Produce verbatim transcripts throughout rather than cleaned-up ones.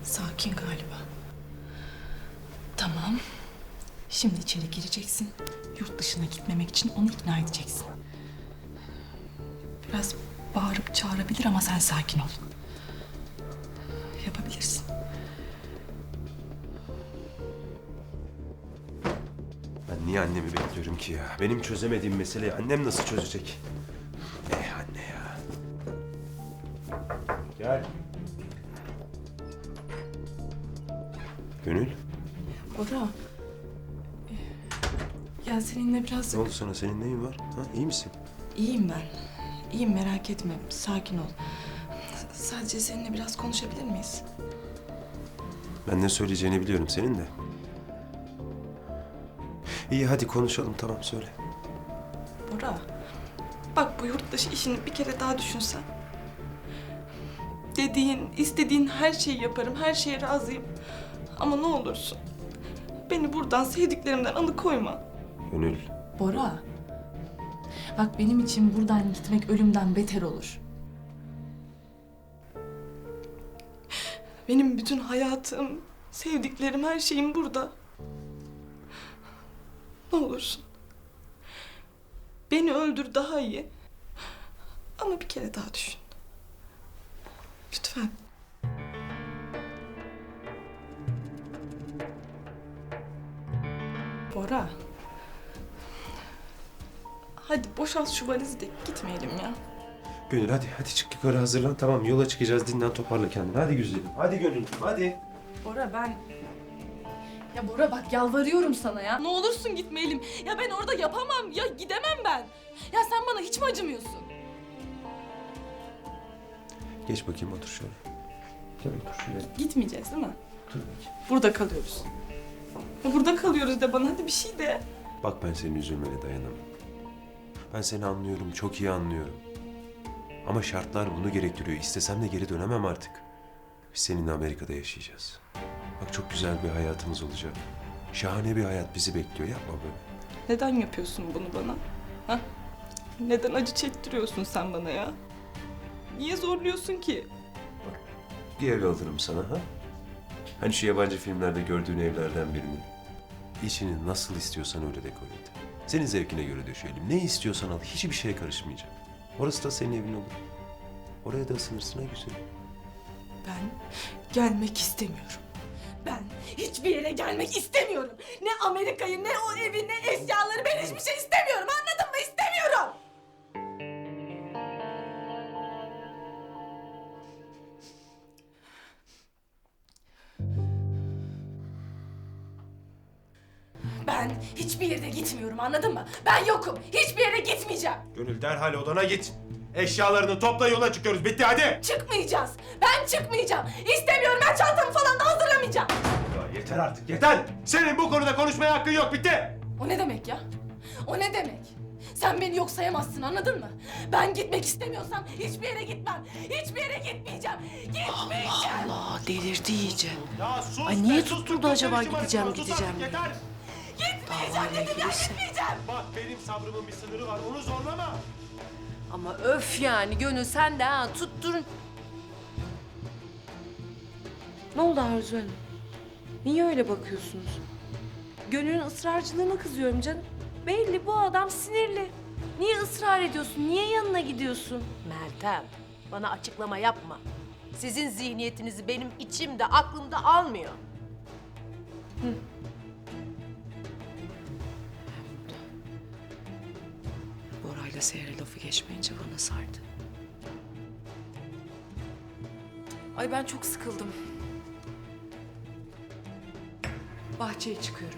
Sakin galiba. Tamam. Şimdi içeri gireceksin. Yurt dışına gitmemek için onu ikna edeceksin. Biraz bağırıp çağırabilir ama sen sakin ol. Yapabilirsin. Ben niye annemi bekliyorum ki ya? Benim çözemediğim meseleyi annem nasıl çözecek? Eh anne ya. Gel. Gönül, Bora. Ya seninle biraz... ne oldu sana? Senin neyin var? Ha, iyi misin? İyiyim ben. İyiyim, merak etme. Sakin ol. Sadece seninle biraz konuşabilir miyiz? Ben ne söyleyeceğini biliyorum senin de. İyi hadi konuşalım, tamam söyle. Bora. Bak bu yurt dışı işini bir kere daha düşünsen. Dediğin, istediğin her şeyi yaparım. Her şeye razıyım. Ama ne olursun. Beni buradan, sevdiklerimden alıkoyma. Gönül. Bora. Bak benim için buradan gitmek ölümden beter olur. Benim bütün hayatım, sevdiklerim, her şeyim burada. Ne olursun. Beni öldür daha iyi. Ama bir kere daha düşün. Lütfen. Bora. Hadi boşalt şu valizi de gitmeyelim ya. Gönül hadi, hadi çık yukarı hazırlan. Tamam yola çıkacağız, dinlen toparla kendini. Hadi güzelim. Hadi Gönül, hadi. Bora ben... Ya Bora bak yalvarıyorum sana ya. Ne olursun gitmeyelim. Ya ben orada yapamam. Ya gidemem ben. Ya sen bana hiç mi acımıyorsun? Geç bakayım otur şöyle. Gel otur şuraya. Gitmeyeceğiz değil mi? Otur bakayım. Burada kalıyoruz. Ya burada kalıyoruz de bana hadi bir şey de. Bak ben senin üzülmene dayanamam. Ben seni anlıyorum, çok iyi anlıyorum. Ama şartlar bunu gerektiriyor. İstesem de geri dönemem artık. Biz seninle Amerika'da yaşayacağız. Bak çok güzel bir hayatımız olacak. Şahane bir hayat bizi bekliyor. Yapma böyle. Neden yapıyorsun bunu bana? Ha? Neden acı çektiriyorsun sen bana ya? Niye zorluyorsun ki? Bir ev alırım sana ha? Hani şu yabancı filmlerde gördüğün evlerden birini. İçini nasıl istiyorsan öyle dekore et. Senin zevkine göre döşeyelim. Ne istiyorsan al. Hiçbir şeye karışmayacak. Orası da senin evin olur. Oraya da ısınırsın ha güzelim. Ben gelmek istemiyorum. Ben hiçbir yere gelmek istemiyorum. Ne Amerika'yı, ne o evi, ne eşyaları, ben hiçbir şey istemiyorum. Anladın mı? İstemiyorum. Ben hiçbir yere gitmiyorum, anladın mı? Ben yokum. Hiçbir yere gitmeyeceğim. Gönül derhal odana git. Eşyalarını topla yola çıkıyoruz. Bitti hadi. Çıkmayacağız. Ben çıkmayacağım. İstemiyorum. Ben çantamı falan da hazırlamayacağım. Ya yeter artık yeter. Senin bu konuda konuşmaya hakkın yok. Bitti. O ne demek ya? O ne demek? Sen beni yok sayamazsın, anladın mı? Ben gitmek istemiyorsam hiçbir yere gitmem. Hiçbir yere gitmeyeceğim. Gitmeyeceğim. Allah delirdi iyice. Ya sus. Ay niye be, sus, tutturdu sus, acaba konuşma, gideceğim, sus, sus, gideceğim artık, diye. Yeter. Gitmeyeceğim Davayla dedim ya, ilgiliyse. gitmeyeceğim. Bak benim sabrımın bir sınırı var. Onu zorlama. Ama öf yani Gönül sen de ha tutturun. Ne oldu Arzu Hanım? Niye öyle bakıyorsunuz? Gönül'ün ısrarcılığına kızıyorum canım. Belli bu adam sinirli. Niye ısrar ediyorsun? Niye yanına gidiyorsun? Meltem, bana açıklama yapma. Sizin zihniyetinizi benim içimde, aklımda almıyor. Bora'yla Seher'e lafı geçmeyince bana sardı. Ay ben çok sıkıldım. Bahçeye çıkıyorum.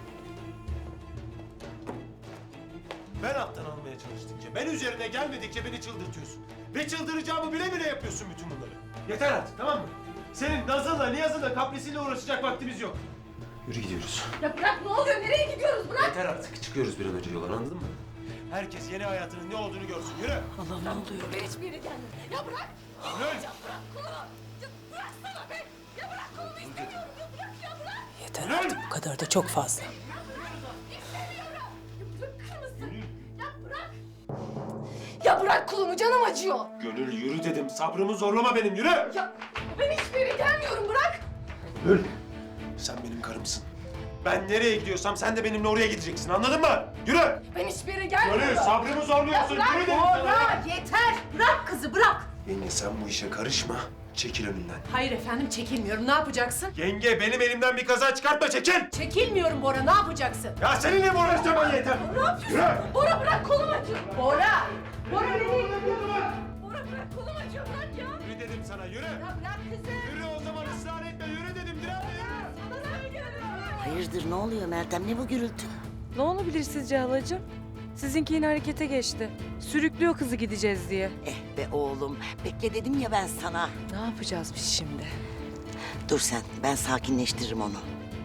Ben alttan almaya çalıştıkça, ben üzerine gelmedikçe beni çıldırtıyorsun. Ve çıldıracağımı bile bile yapıyorsun bütün bunları. Yeter artık tamam mı? Senin nazınla, niyazınla, kaprisiyle uğraşacak vaktimiz yok. Yürü gidiyoruz. Ya bırak, ne oluyor? Nereye gidiyoruz? Bırak. Yeter artık. Çıkıyoruz bir an önce yola, anladın mı? Herkes yeni hayatının ne olduğunu görsün. Yürü. Allah ne oluyor? Ben hiçbir yere gelmiyorum. Ya bırak. Yürü. Ya bırak kolumu. Ya bıraksana be. Ya bırak kolumu, istemiyorum. Ya bırak, ya bırak. Yeter Yürü. artık, bu kadar da çok fazla. İstemiyorum. Ya bırakır mısın? Ya bırak. Ya bırak kolumu, canım acıyor. Gönül yürü dedim. Sabrımı zorlama benim. Yürü. Ya ben hiçbir yere gelmiyorum, bırak. Gül, sen benim karımsın. Ben nereye gidiyorsam sen de benimle oraya gideceksin, anladın mı? Yürü! Ben hiçbir yere gelmiyorum. Gönül, sabrımı zorluyorsun. Yürü dedim sana. Bora yeter. Bırak kızı bırak. Yenge sen bu işe karışma. Çekil önümden. Hayır efendim çekilmiyorum. Ne yapacaksın? Yenge benim elimden bir kaza çıkartma, çekil! Çekilmiyorum Bora. Ne yapacaksın? Ya seninle mi uğraşacağım ben yeter? Ne yapıyorsun? Yürü! Bora bırak kolum acıyor. Bora. Bora nereye gidiyorsun? Bora bırak kolum acıyor bırak ya. Yürü dedim sana, yürü! Ya bırak kızı. Yürü o zaman, ısrar etme, yürü dedim, direnme yürü! Hayırdır ne oluyor Meltem, ne bu gürültü? Ne olabilir sizce halacığım? Sizinki yine harekete geçti. Sürüklüyor kızı gideceğiz diye. Eh be oğlum, bekle dedim ya ben sana. Ne yapacağız biz şimdi? Dur sen, ben sakinleştiririm onu.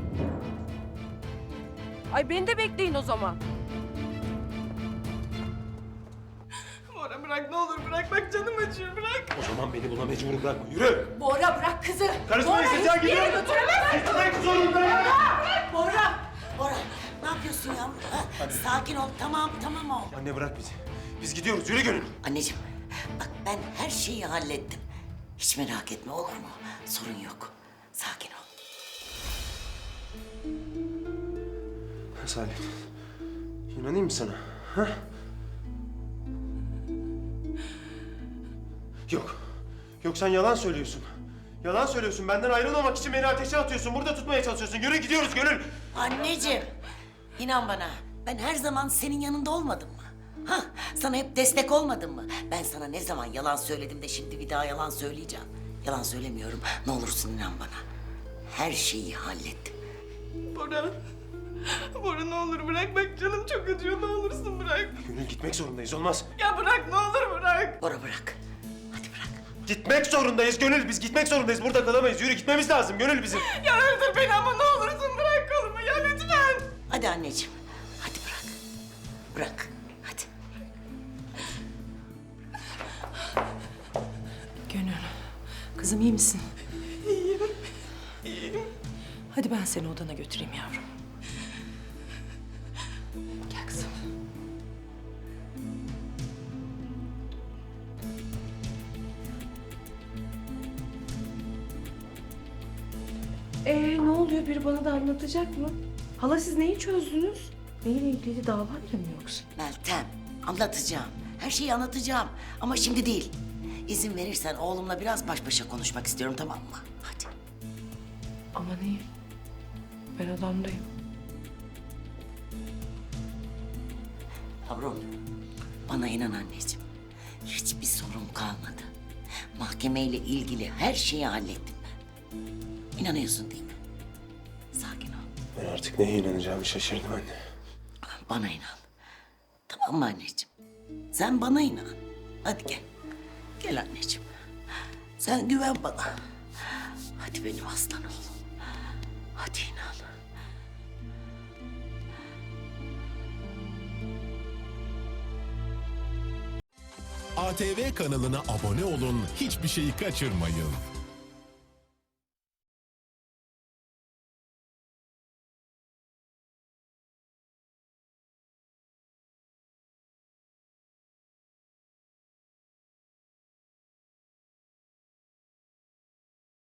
Ay beni de bekleyin o zaman. Bora bırak ne olur bırak bak canım acıyor bırak. O zaman beni buna mecbur bırakma, yürü! Bora bırak kızı. Karışma Bora isteyeceğin hiçbir yere gidiyor. götüremezsin. Gitmek zorundayım! Bora. Bora, ne yapıyorsun yavrum? Ha? Sakin ol, tamam tamam oğlum. Anne bırak bizi. Biz gidiyoruz, yürü Gönül. Anneciğim, bak ben her şeyi hallettim. Hiç merak etme olur mu? Sorun yok. Sakin ol. Salih, inanayım mı sana? Ha? Yok. Yok sen yalan söylüyorsun. Yalan söylüyorsun. Benden ayrılmamak için beni ateşe atıyorsun. Burada tutmaya çalışıyorsun. Yürü gidiyoruz Gönül. Anneciğim, inan bana. Ben her zaman senin yanında olmadım mı? Ha, sana hep destek olmadım mı? Ben sana ne zaman yalan söyledim de şimdi bir daha yalan söyleyeceğim. Yalan söylemiyorum. Ne olursun inan bana. Her şeyi hallettim. Bora. Bora ne olur bırak bak canım çok acıyor ne olursun bırak. Gönül gitmek zorundayız. Olmaz. Ya bırak ne olur bırak. Bora bırak. Hadi bırak. Gitmek zorundayız Gönül. Biz gitmek zorundayız. Burada kalamayız. Yürü gitmemiz lazım Gönül bizim. Ya öldür beni ama ne olursun bırak kolumu ya lütfen. Hadi anneciğim. Hadi bırak. Bırak. Hadi. Gönül. Kızım iyi misin? İyiyim. İyiyim. Hadi ben seni odana götüreyim yavrum. Gel kızım. Ee ne oluyor? Biri bana da anlatacak mı? Hala siz neyi çözdünüz? Neyle ilgili davayla mı yoksa? Meltem, anlatacağım. Her şeyi anlatacağım. Ama şimdi değil. İzin verirsen oğlumla biraz baş başa konuşmak istiyorum, tamam mı? Hadi. Aman iyi. Ben odamdayım. Yavrum, bana inan anneciğim. Hiçbir sorun kalmadı. Mahkemeyle ilgili her şeyi hallettim ben. İnanıyorsun değil mi? Sakin ol. Ben artık neye inanacağımı şaşırdım anne. Bana inan. Tamam mı anneciğim? Sen bana inan. Hadi gel. Gel anneciğim. Sen güven bana. Hadi benim aslan oğlum. Hadi inan. A T V kanalına abone olun, hiçbir şeyi kaçırmayın.